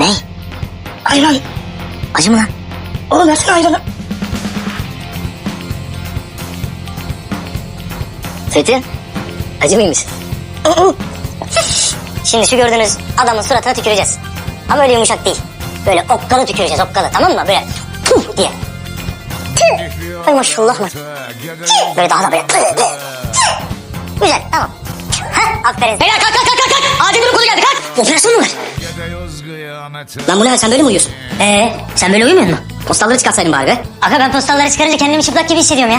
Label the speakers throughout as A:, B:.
A: Ne?
B: Ayran.
A: Acı mı lan?
B: Oğlum versene ayranı.
A: Fethi, acı mıymış? Şimdi şu gördüğünüz adamın suratına tüküreceğiz. Ama öyle yumuşak değil. Böyle okkalı tüküreceğiz, okkalı, tamam mı? Böyle puh diye. Tüh. Ay maşallah mı? Böyle daha da böyle. Güzel, tamam. Hah, aferin. Beyler kalk kalk kalk kalk. Acil durum kolu geldi, kalk. Operasyon mu var? Lan bu ne, sen böyle mi uyuyorsun? Sen böyle uyumuyor musun? Postalları çıkartsaydın bari be. Aga ben postalları çıkarınca kendimi çıplak gibi hissediyorum ya.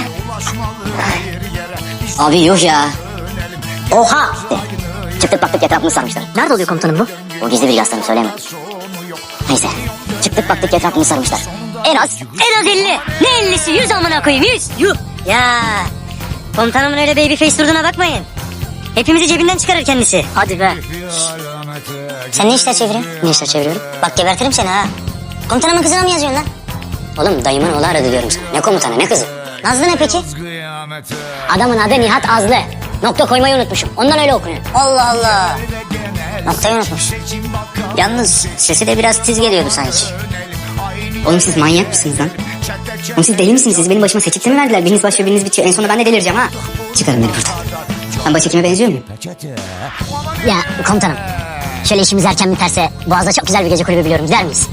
A: Abi yok ya. Oha! Çıktık baktık etrafını sarmışlar. Nerede oluyor komutanım bu? O gizli bir aslanım, söyleyemem. Neyse. Çıktık baktık etrafını sarmışlar. En az 50. Ne 50'si? 100 amına koyayım, 100. Yuh. Ya. Komutanımın öyle baby face durduğuna bakmayın. Hepimizi cebinden çıkarır kendisi. Hadi be. Sen ne işler çeviriyorsun? Ne işler çeviriyorum? Bak gebertirim seni ha. Komutanımın kızına mı yazıyorsun lan? Oğlum dayımın oğlu aradı diyorum sana. Ne komutanı ne kızı? Nazlı ne peki? Adamın adı Nihat Azlı. Nokta koymayı unutmuşum. Ondan öyle okunuyor. Allah Allah. Noktayı unutmuş. Yalnız sesi de biraz tiz geliyordu sanki. Oğlum siz manyak mısınız lan? Oğlum siz deli misiniz? Siz benim başıma seçikte mi verdiler? Biriniz başlıyor biriniz bitiyor. En sonunda ben de delireceğim ha. Çıkarın beni buradan. Ben başhekime benziyor muyum? Ya komutanım. Şöyle işimiz erken biterse Boğaz'da çok güzel bir gece kulübü biliyorum. Gider miyiz?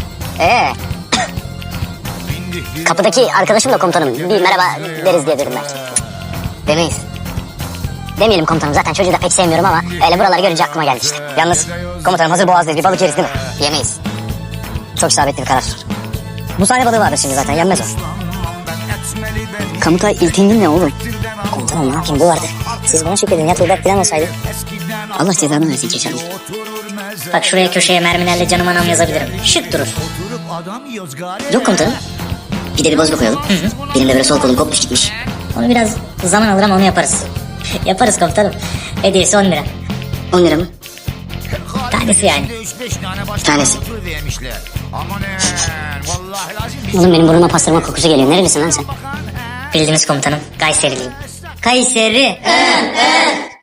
A: Kapıdaki arkadaşım da komutanım. Bir merhaba deriz diye dedim belki. Demeyiz. Demeyelim komutanım, zaten çocuğu da pek sevmiyorum ama öyle buraları görünce aklıma geldi işte. Yalnız komutanım hazır Boğaz'dayız, bir balık yeriz değil mi? Yemeyiz. Çok isabetli bir karar. Bu sahne balığı vardır şimdi zaten, yenmez o. Kamutay iltindin ne oğlum? Komutanım ne yapayım, bu vardır. Siz buna şükredin ya, Tuğberk falan olsaydı. Allah cezanı versin Keşanlı. Bak şuraya köşeye mermilerle canım anam yazabilirim. Şık durur. Yok komutanım. Bir de bir bozma koyalım. Benim de böyle sol kolum kopmuş gitmiş. Onu biraz zaman alır ama onu yaparız. Yaparız komutanım. Hediyesi 10 lira. 10 lira mı? Tanesi yani. Tanesi. Oğlum benim burnuma pastırma kokusu geliyor. Nerelisin lan sen? Bildiğiniz komutanım. Kayseriliyim. Kayseri.